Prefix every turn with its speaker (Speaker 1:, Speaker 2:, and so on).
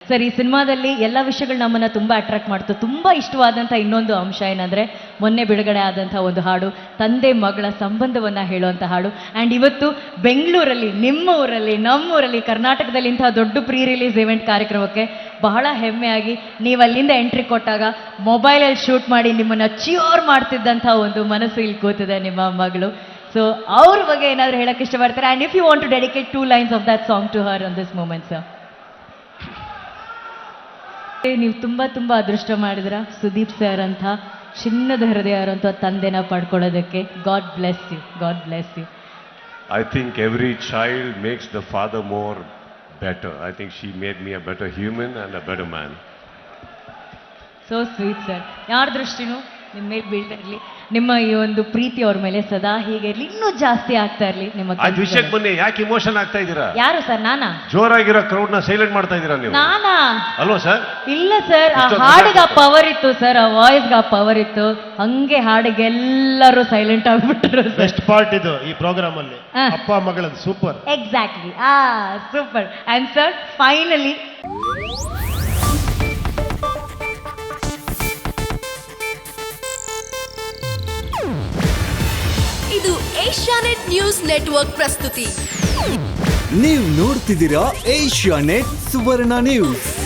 Speaker 1: Sir, ಈ ಸಿನಿಮಾದಲ್ಲಿ ಎಲ್ಲ ವಿಷಯಗಳು ನಮ್ಮನ್ನು ತುಂಬ ಅಟ್ರಾಕ್ಟ್ ಮಾಡ್ತು. ತುಂಬ ಇಷ್ಟವಾದಂಥ ಇನ್ನೊಂದು ಅಂಶ ಏನಂದರೆ, ಮೊನ್ನೆ ಬಿಡುಗಡೆ ಆದಂಥ ಒಂದು ಹಾಡು, ತಂದೆ ಮಗಳ ಸಂಬಂಧವನ್ನು ಹೇಳುವಂಥ ಹಾಡು. ಆ್ಯಂಡ್ ಇವತ್ತು ಬೆಂಗಳೂರಲ್ಲಿ, ನಿಮ್ಮ ಊರಲ್ಲಿ, ನಮ್ಮೂರಲ್ಲಿ, ಕರ್ನಾಟಕದಲ್ಲಿ ಇಂಥ ದೊಡ್ಡ ಪ್ರೀ ರಿಲೀಸ್ ಇವೆಂಟ್ ಕಾರ್ಯಕ್ರಮಕ್ಕೆ ಬಹಳ ಹೆಮ್ಮೆಯಾಗಿ ನೀವು ಅಲ್ಲಿಂದ ಎಂಟ್ರಿ ಕೊಟ್ಟಾಗ ಮೊಬೈಲಲ್ಲಿ ಶೂಟ್ ಮಾಡಿ ನಿಮ್ಮನ್ನು ಚಿಯೋರ್ ಮಾಡ್ತಿದ್ದಂಥ ಒಂದು ಮನಸ್ಸು ಇಲ್ಲಿ ಕೂತಿದೆ ನಿಮ್ಮ ಮಗಳು. ಸೊ ಅವ್ರ ಬಗ್ಗೆ ಏನಾದರೂ ಹೇಳಕ್ಕೆ ಇಷ್ಟಪಡ್ತಾರೆ? And if you want to dedicate 2 lines of that song to her on this moment sir. ನೀವು ತುಂಬ ತುಂಬ ಅದೃಷ್ಟ ಮಾಡಿದ್ರ ಸುದೀಪ್ ಸರ್ ಅಂತ ಚಿನ್ನದ ಹೃದಯ ಇರುವಂಥ ತಂದೆನ ಪಡ್ಕೊಳ್ಳೋದಕ್ಕೆ. God bless you, God bless you.
Speaker 2: I think every child makes the father more better. I think she made me a better human and a better man.
Speaker 1: So sweet sir. ಯಾರ ದೃಷ್ಟಿನೂ ನಿಮ್ಮ ಮೇಲೆ ಬೀಳ್ತಾ ಇರಲಿ, ನಿಮ್ಮ ಈ ಒಂದು ಪ್ರೀತಿ ಅವ್ರ ಮೇಲೆ ಸದಾ ಹೀಗೆ ಇರಲಿ, ಇನ್ನೂ ಜಾಸ್ತಿ ಆಗ್ತಾ ಇರಲಿ ನಿಮ್ಮ
Speaker 2: ಆ ವಿಷಯಕ್ಕೆ ಬನ್ನಿ. ಯಾಕೆ ಇಮೋಷನ್ ಆಗ್ತಾ ಇದ್ದೀರಾ?
Speaker 1: ಯಾರು ಸರ್? ನಾನಾ?
Speaker 2: ಜೋರಾಗಿರೋ ಕ್ರೌಡ್ ನ ಸೈಲೆಂಟ್ ಮಾಡ್ತಾ ಇದ್ದೀರಾ ನೀವು?
Speaker 1: ನಾನಾ?
Speaker 2: ಅಲ್ವಾ ಸರ್?
Speaker 1: ಇಲ್ಲ ಸರ್, ಆ ಹಾಡಿಗೆ ಆ ಪವರ್ ಇತ್ತು ಸರ್, ಆ ವಾಯ್ಸ್ಗೆ ಆ ಪವರ್ ಇತ್ತು. ಹಂಗೆ ಹಾಡಿಗೆ ಎಲ್ಲರೂ ಸೈಲೆಂಟ್ ಆಗ್ಬಿಟ್ರು.
Speaker 3: ಬೆಸ್ಟ್ ಪಾರ್ಟ್ ಇದು ಈ ಪ್ರೋಗ್ರಾಮ್ ಅಲ್ಲಿ, ಅಪ್ಪ ಮಗಳದ್ದು super.
Speaker 1: Exactly, super. And sir, finally
Speaker 4: ಇದು ಏಷ್ಯಾನೆಟ್ ನ್ಯೂಸ್ ನೆಟ್ವರ್ಕ್ ಪ್ರಸ್ತುತಿ.
Speaker 5: ನೀವು ನೋಡ್ತಿದ್ದೀರಾ ಏಷ್ಯಾನೆಟ್ ಸುವರ್ಣ ನ್ಯೂಸ್.